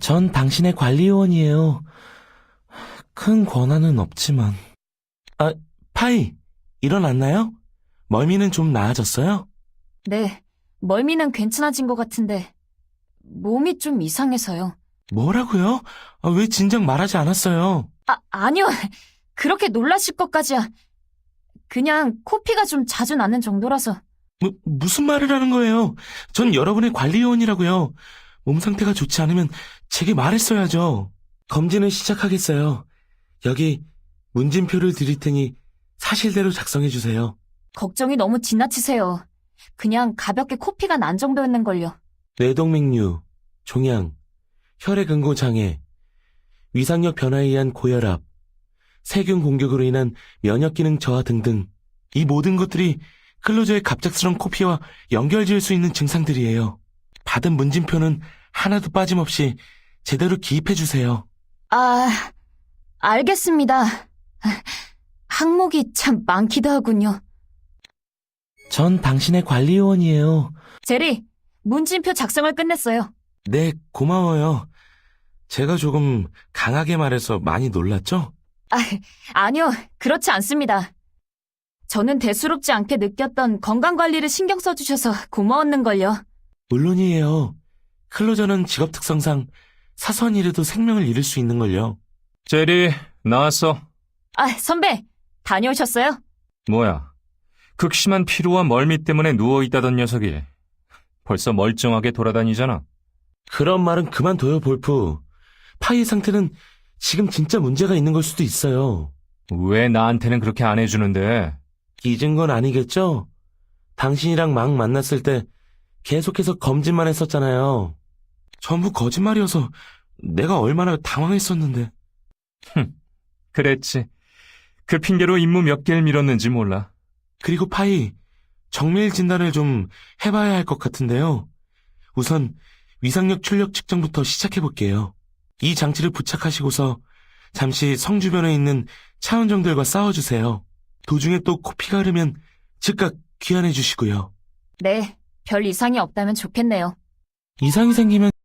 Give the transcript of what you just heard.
전 당신의 관리요원이에요. 큰 권한은 없지만. 아, 파이, 일어났나요? 멀미는 좀 나아졌어요? 네, 멀미는 괜찮아진 것 같은데 몸이 좀 이상해서요. 뭐라고요? 왜 진작 말하지 않았어요? 아니요. 그렇게 놀라실 것까지야. 그냥 코피가 좀 자주 나는 정도라서. 무슨 말을 하는 거예요? 전 여러분의 관리요원이라고요. 몸 상태가 좋지 않으면 제게 말했어야죠. 검진을 시작하겠어요. 여기 문진표를 드릴 테니 사실대로 작성해 주세요. 걱정이 너무 지나치세요. 그냥 가볍게 코피가 난 정도였는걸요. 뇌동맥류, 종양, 혈액응고 장애, 위상력 변화에 의한 고혈압, 세균 공격으로 인한 면역기능 저하 등등. 이 모든 것들이 클로저의 갑작스러운 코피와 연결지을 수 있는 증상들이에요. 받은 문진표는 하나도 빠짐없이 제대로 기입해 주세요. 알겠습니다. 항목이 참 많기도 하군요. 전 당신의 관리요원이에요. 제리, 문진표 작성을 끝냈어요. 네, 고마워요. 제가 조금 강하게 말해서 많이 놀랐죠? 아니요, 그렇지 않습니다. 저는 대수롭지 않게 느꼈던 건강관리를 신경 써주셔서 고마웠는걸요. 물론이에요. 클로저는 직업 특성상 사소한 일에도 생명을 잃을 수 있는걸요. 제리, 나왔어. 선배, 다녀오셨어요? 뭐야, 극심한 피로와 멀미 때문에 누워있다던 녀석이 벌써 멀쩡하게 돌아다니잖아. 그런 말은 그만둬요, 볼프. 파이의 상태는 지금 진짜 문제가 있는 걸 수도 있어요. 왜 나한테는 그렇게 안 해주는데? 잊은 건 아니겠죠? 당신이랑 막 만났을 때 계속해서 검진만 했었잖아요. 전부 거짓말이어서 내가 얼마나 당황했었는데. 그랬지. 그 핑계로 임무 몇 개를 미뤘는지 몰라. 그리고 파이, 정밀 진단을 좀 해봐야 할 것 같은데요. 우선 위상력 출력 측정부터 시작해볼게요. 이 장치를 부착하시고서 잠시 성 주변에 있는 차원정들과 싸워주세요. 도중에 또 코피가 흐르면 즉각 귀환해주시고요. 네, 별 이상이 없다면 좋겠네요. 이상이 생기면